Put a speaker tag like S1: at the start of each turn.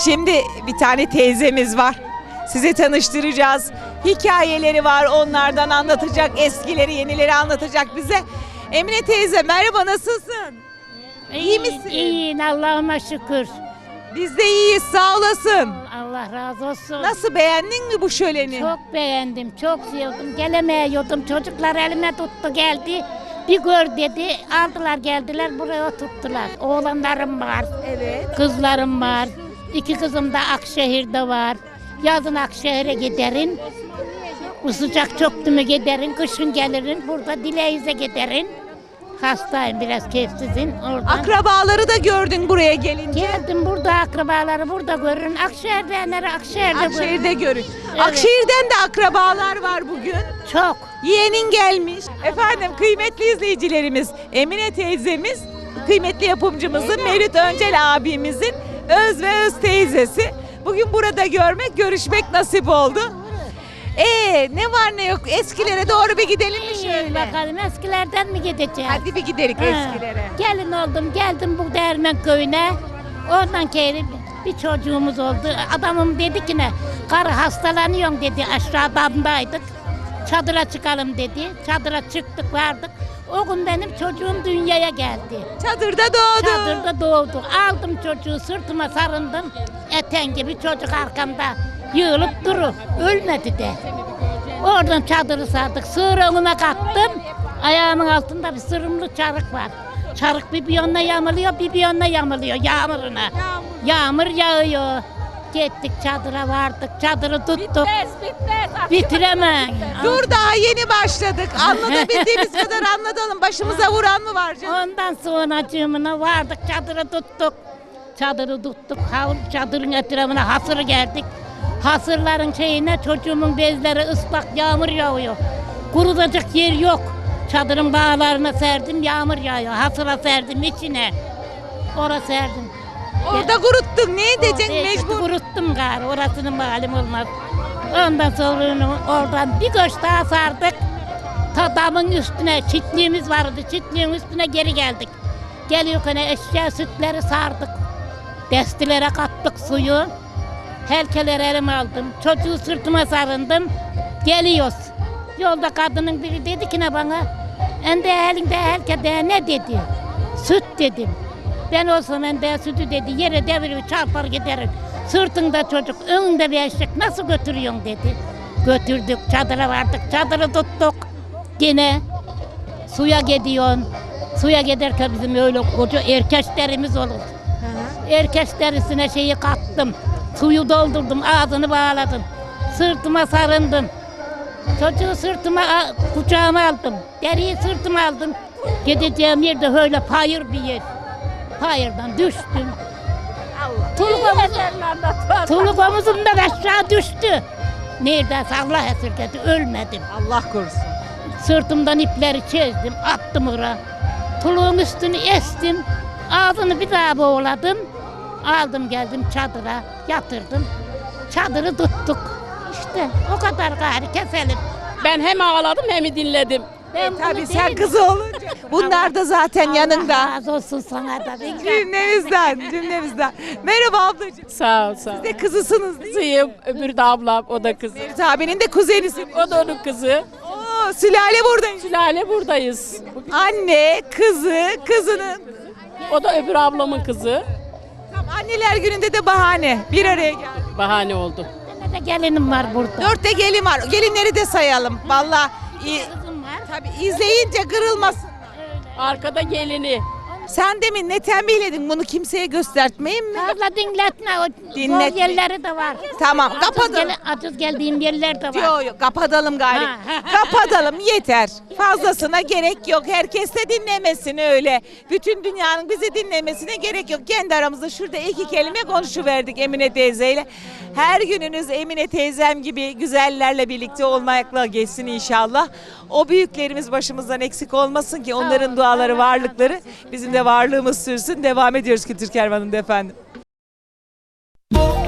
S1: Şimdi bir tane teyzemiz var. Sizi tanıştıracağız. Hikayeleri var, onlardan anlatacak. Eskileri, yenileri anlatacak bize. Emine teyze merhaba, nasılsın? İyi misin?
S2: İyiyim, Allah'ıma şükür.
S1: Biz de iyiyiz, sağ olasın.
S2: Allah razı olsun.
S1: Nasıl, beğendin mi bu şöleni?
S2: Çok beğendim, çok sevdim. Gelemiyordum, çocuklar elime tuttu geldi. Bir gör dedi, aldılar geldiler buraya oturttular. Oğlanlarım var,
S1: Evet.
S2: kızlarım var. 2 kızım da Akşehir'de var. Yazın Akşehir'e giderin. Bu sıcak çöktü mü giderin, kışın gelirin. Burada Dileyiz'e giderin. Hastayım, biraz keyifsizim oradan.
S1: Akrabaları da gördün buraya gelince.
S2: Geldim, burada akrabaları burada görün. Akşehir'denleri Akşehir'de görün.
S1: Akşehir'de görün.
S2: Evet.
S1: Akşehir'den de akrabalar var bugün.
S2: Çok.
S1: Yeğenin gelmiş. Efendim kıymetli izleyicilerimiz, Emine teyzemiz, kıymetli yapımcımızın Mevlüt Öncel abimizin öz ve öz teyzesi. Bugün burada görmek, görüşmek nasip oldu. Ne var ne yok, eskilere doğru bir gidelim mi
S2: İyi
S1: şöyle?
S2: bakalım, eskilerden mi gideceğiz?
S1: Hadi bir gidelim
S2: Ha,
S1: eskilere.
S2: Gelin oldum, geldim bu Değirmen köyüne. Oradan kere bir çocuğumuz oldu. Adamım dedi ki ne? Karı hastalanıyorum dedi, aşağıdaydık. Çadıra çıkalım dedi. Çadıra çıktık, vardık. O gün benim çocuğum dünyaya geldi.
S1: Çadırda doğdu.
S2: Çadırda doğdu. Aldım çocuğu, sırtıma sarındım. Eten gibi çocuk arkamda yığılıp durur. Ölmedi de. Oradan çadırı sardık. Sığır önüme kattım. Ayağımın altında bir sırımlı çarık var. Çarık bir yanına yamılıyor, bir yanına yamılıyor yağmuruna. Yağmur yağıyor. Gittik çadıra vardık. Çadırı tuttuk. Bitiremem.
S1: Dur, daha yeni başladık. Anlatabildiğimiz kadar anlatalım. Başımıza vuran mı var canım?
S2: Ondan sonra cımına vardık, çadırı tuttuk. Çadırı tuttuk, çadırın etrafına hasır geldik. Hasırların şeyine çocuğumun bezleri ıslak, yağmur yağıyor. Kurutacak yer yok. Çadırın bağlarına serdim, yağmur yağıyor. Hasıra serdim içine. Oraya serdim.
S1: Orada kuruttun. Ne edeceksin
S2: Mecbur.
S1: mecbur?
S2: Kuruttum gari, orasının malum olmaz. Ondan sonra oradan bir göç daha sardık. Damın üstüne çitliğimiz vardı, çitliğin üstüne geri geldik. Geliyorken eşya sütleri sardık. Destilere kattık suyu. Helkeleri elime aldım. Çocuğu sırtıma sarındım. Geliyoruz. Yolda kadının biri dedi ki ne bana? Ende elinde helkede ne dedi? Süt dedim. Ben olsam ende sütü dedi. Yere devirir çarpar giderim. Sırtında çocuk, önünde bir eşek nasıl götürüyorsun dedi. Götürdük, çadıra vardık, çadırı tuttuk. Yine suya gidiyorsun. Suya giderken bizim öyle koca erkeşlerimiz olur. Erkeşlerisine şeyi kattım. Suyu doldurdum, ağzını bağladım. Sırtıma sarındım. Çocuğu sırtıma, kucağıma aldım. Deriyi sırtıma aldım. Gideceğim yerde öyle payır bir yer. Payırdan düştüm. Tuluk omuzumdan aşağı düştü. Neredeyse Allah esirgedi, ölmedim.
S1: Allah korusun.
S2: Sırtımdan ipleri çizdim, attım oraya. Tuluğun üstünü estim, ağzını bir daha boğuladım. Aldım geldim çadıra, yatırdım. Çadırı tuttuk. İşte o kadar gari keselim.
S3: Ben hem ağladım hem dinledim.
S1: Tabii sen kızı olunca. Bunlar da zaten yanında.
S2: Allah razı olsun sana da.
S1: Cümlemizden. Merhaba ablacığım.
S3: Sağ ol, sağ ol.
S1: Siz de kızısınız değil mi?
S3: Kızıyım, öbürü de ablam, o da kızı.
S1: Mevlüt abinin de kuzenisiniz.
S3: O da onun kızı.
S1: Oo, sülale buradayız.
S3: Sülale buradayız.
S1: Anne, kızı, kızının.
S3: O da öbür ablamın kızı.
S1: Tam anneler gününde de bahane. Bir araya geldik.
S3: Bahane oldu.
S2: Benim de gelinim var burada.
S1: 4 de gelin var. Gelinleri de sayalım. Vallahi
S2: Kızım var.
S1: tabii izleyince kırılmasın.
S3: Arkada gelini.
S1: Sen demin ne tembihledin, bunu kimseye göstertmeyin mi?
S2: Abla dinletme, o
S1: Dinletme.
S2: zor yerleri de var.
S1: Tamam, kapatalım.
S2: Acız geldiğim yerler de var.
S1: Yok kapatalım gari.
S2: Ha.
S1: Kapatalım yeter. Fazlasına gerek yok. Herkes de dinlemesin öyle. Bütün dünyanın bizi dinlemesine gerek yok. Kendi aramızda şurada 2 kelime konuşuverdik Emine teyzeyle. Her gününüz Emine teyzem gibi güzellerle birlikte olmakla geçsin inşallah. O büyüklerimiz başımızdan eksik olmasın ki onların duaları, varlıkları bizim de varlığımız sürsün. Devam ediyoruz Kültür Kervanı'nda efendim.